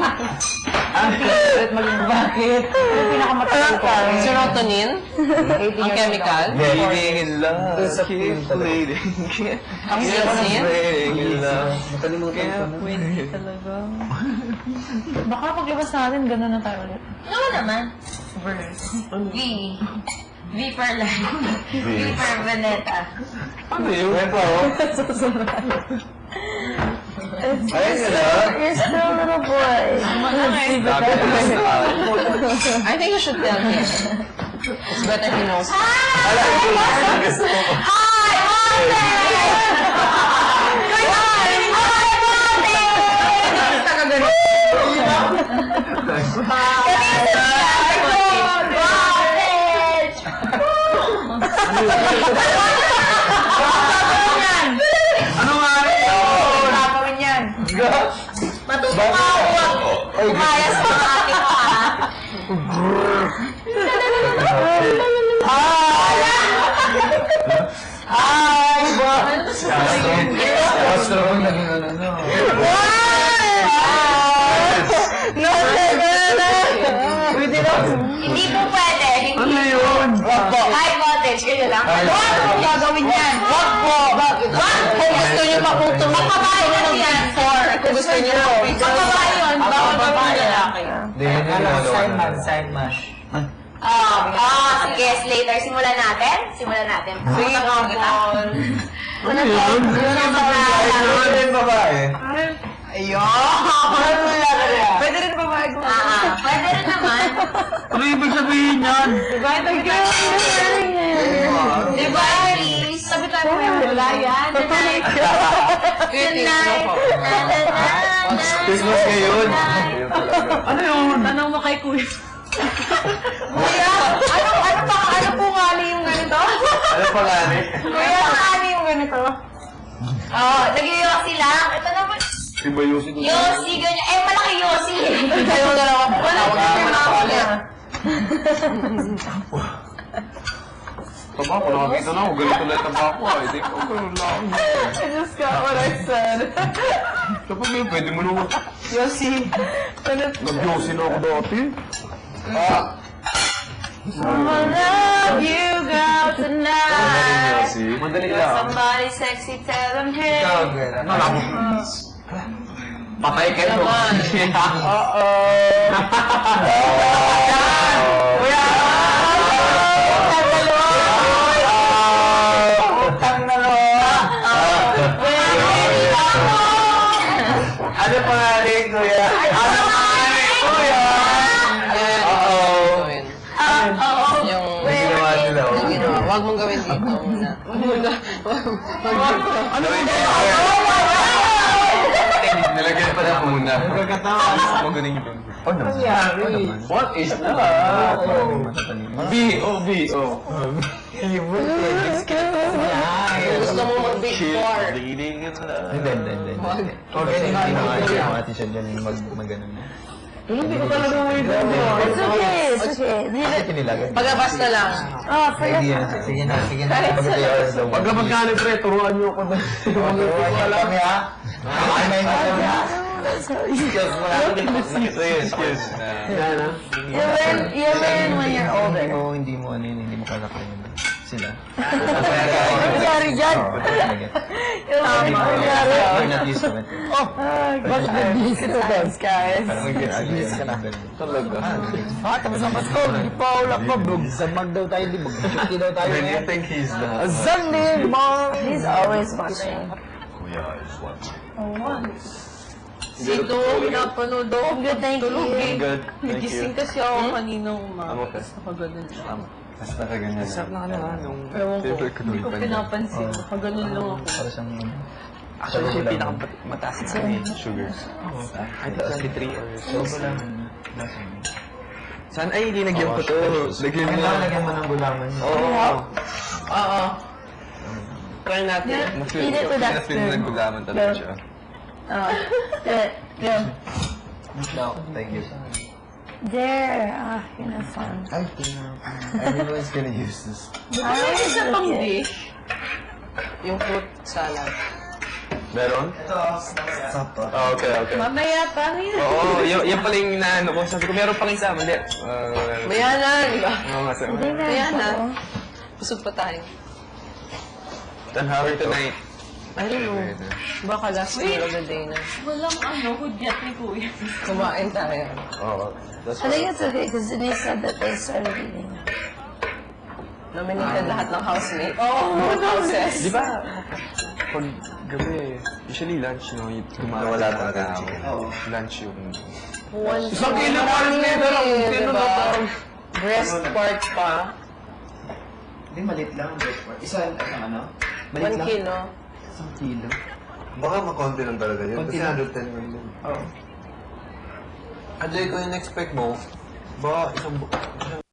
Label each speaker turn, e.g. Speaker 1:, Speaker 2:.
Speaker 1: Ang favorite maging bakit? Yung pinakamatagal ko.
Speaker 2: Serotonin? Ang chemical?
Speaker 3: Bleeding in love. Keep bleeding.
Speaker 2: Ang serotonin?
Speaker 3: Bleeding in love.
Speaker 1: Nakalimutan ko na. Talaga. Baka paglabas natin, gano'n na tayo ulit.
Speaker 4: Oo naman. V. V for life. V for Veneta.
Speaker 3: Ano yun? Ito. Ayun na.
Speaker 1: You're still a little boy.
Speaker 2: I think you should tell him. It's better he knows.
Speaker 3: Ano nga rin yun?
Speaker 1: Gagawin yan.
Speaker 4: Matutuwa ako. Umayas sa akin ko, ha?
Speaker 1: Ay, ba?
Speaker 3: Castro ang naging ano.
Speaker 1: No, pwede lang.
Speaker 4: Hindi po pwede.
Speaker 3: Ano yun?
Speaker 4: High voltage, ganyan lang.
Speaker 1: Wag po gagawin yan. Wag po. Bakit?
Speaker 2: Kung gusto niyo maputong
Speaker 4: Magbabae lang yan.
Speaker 2: kung gusto niyo
Speaker 4: Magbabae yun. Bawal gawin lalaki.
Speaker 3: Side mash.
Speaker 4: Sige, later. Simulan natin? Simulan natin.
Speaker 2: Sige, Paul.
Speaker 3: Ano yun?
Speaker 4: Yun ang mga...
Speaker 3: Ano yung babae?
Speaker 1: Pwede rin babae ko.
Speaker 4: Pwede rin naman.
Speaker 3: Ano ibig sabihin yan?
Speaker 1: Diba?
Speaker 4: Diba, Elise? Sabi tayo mo yung wala yan. Tonight.
Speaker 3: Christmas ngayon. Ano yun?
Speaker 1: Tanong mo kay Kuya.
Speaker 4: Kuya, ano po nga yung ganito?
Speaker 3: Ano pa nga ni?
Speaker 4: Kuya, ano yung ganito? Nag-yosi lang. Ito naman.
Speaker 3: Iba Yossi doon.
Speaker 4: Yosi, ganyan. Eh, malaki Yosi.
Speaker 2: Kayo dalawa po.
Speaker 4: Wala
Speaker 2: Tawag
Speaker 4: na
Speaker 2: namin
Speaker 4: yung
Speaker 2: ako
Speaker 4: mga
Speaker 2: ulit.
Speaker 3: Tabako, nakakita na ako. Ganito ulit tabako. Hindi ko ganun lang.
Speaker 1: I just got what I said.
Speaker 3: Kapag yun, pwede mo naman.
Speaker 1: Yossi.
Speaker 3: Nag-Yossi na ako dati.
Speaker 4: I love you, girl, tonight.
Speaker 3: Madali lang.
Speaker 4: Somebody sexy, tell them hey.
Speaker 3: Patay ka no. Ano pangalan, kuya? Ano pangalan, kuya?
Speaker 2: Yung
Speaker 3: Ginawa nila, oh.
Speaker 2: yung ginawa. Huwag mong gawin dito muna.
Speaker 3: Ano yung nilagyan pa na muna. Magaling yun. Oh, nangyari. What is that? B.O.
Speaker 2: Gusto mo mag-big four.
Speaker 3: Leading in love.
Speaker 5: Hindi. Okay, hindi naman ati siya dyan mag-ganon mo.
Speaker 1: Hindi ko talaga mo ito.
Speaker 4: It's okay, it's okay.
Speaker 5: Kasi kinilagan.
Speaker 2: Pagabas na lang.
Speaker 5: Sige na.
Speaker 3: Pagkabag ka ni Pre, turuan niyo ako na.
Speaker 5: Wala kami ha? Ay,
Speaker 3: Excuse mo na. Excuse.
Speaker 1: You learn when you're older.
Speaker 5: Hindi mo kalakayan sila.
Speaker 1: Nangyari dyan.
Speaker 5: You're not used to it.
Speaker 1: Bakit nag-busy to dance, guys?
Speaker 5: Abuse ka na.
Speaker 3: Talaga.
Speaker 5: Tapos ang Pasko, hindi pa ulak pa. Samag daw tayo, di mag-chuki daw tayo.
Speaker 3: When you think he's the...
Speaker 5: Sunday, mom!
Speaker 1: He's always watching.
Speaker 3: Kuya is watching.
Speaker 2: Sito, pinapanood ako.
Speaker 1: Good, thank you.
Speaker 3: Good. Thank
Speaker 2: Nagising
Speaker 3: you.
Speaker 2: kasi ako kaninang umaga.
Speaker 3: I'm okay.
Speaker 2: Nakaganon lang.
Speaker 3: Mas nakaganyan. Sarap na ka nung...
Speaker 2: Ewan ko.
Speaker 3: Favorite ko
Speaker 2: Hindi ko pinapansin. Nakaganon lang ako.
Speaker 5: Para siyang...
Speaker 3: Actually, siya yung pinakamataas sa sugar. I think 23 or so. Saan? Ay, linagyan ko to. Lagyan mo.
Speaker 5: Lagyan mo ng gulaman.
Speaker 3: Oo.
Speaker 2: Oo. Try natin.
Speaker 1: Eat it with that
Speaker 3: Feel mo
Speaker 1: spoon.
Speaker 3: nagulaman talaga siya.
Speaker 1: Yeah.
Speaker 5: No, thank you.
Speaker 1: There. Yun ang fun.
Speaker 5: Ay, everyone's gonna use this.
Speaker 2: Ano isa pang dish? Yung fruit salad.
Speaker 3: Meron? Okay, okay.
Speaker 1: Mamaya pa, ngayon.
Speaker 3: Oo, yan pala yung inaano ko. Sabi ko, meron pang isa. Mali.
Speaker 2: Mayana, di ba?
Speaker 3: Oo nga, sabi.
Speaker 1: Hindi na.
Speaker 2: Mayana. Busog pa tayo.
Speaker 3: Then how are tonight?
Speaker 2: I don't know. Baka last meal of the day na.
Speaker 4: Walang hudyat ni Kuya.
Speaker 2: Kumain tayo.
Speaker 3: Oo. That's
Speaker 1: I think it's okay because Denise said that they started eating.
Speaker 2: Nominated lahat ng housemate. Oh, houses.
Speaker 3: Di ba? Pag gabi, usually lunch, no?
Speaker 6: Nawala talaga ako.
Speaker 3: Lunch yung...
Speaker 2: Isang
Speaker 3: kilo pa rin nito lang. Sino na parang...
Speaker 2: Breast part pa.
Speaker 6: Hindi, malit lang. Isa, ano?
Speaker 2: 1 kilo.
Speaker 6: Isang kilo. Baka makonti lang talaga yun. Kasi 110 lang yun.
Speaker 3: Ajay, kung in-expect mo, baka isang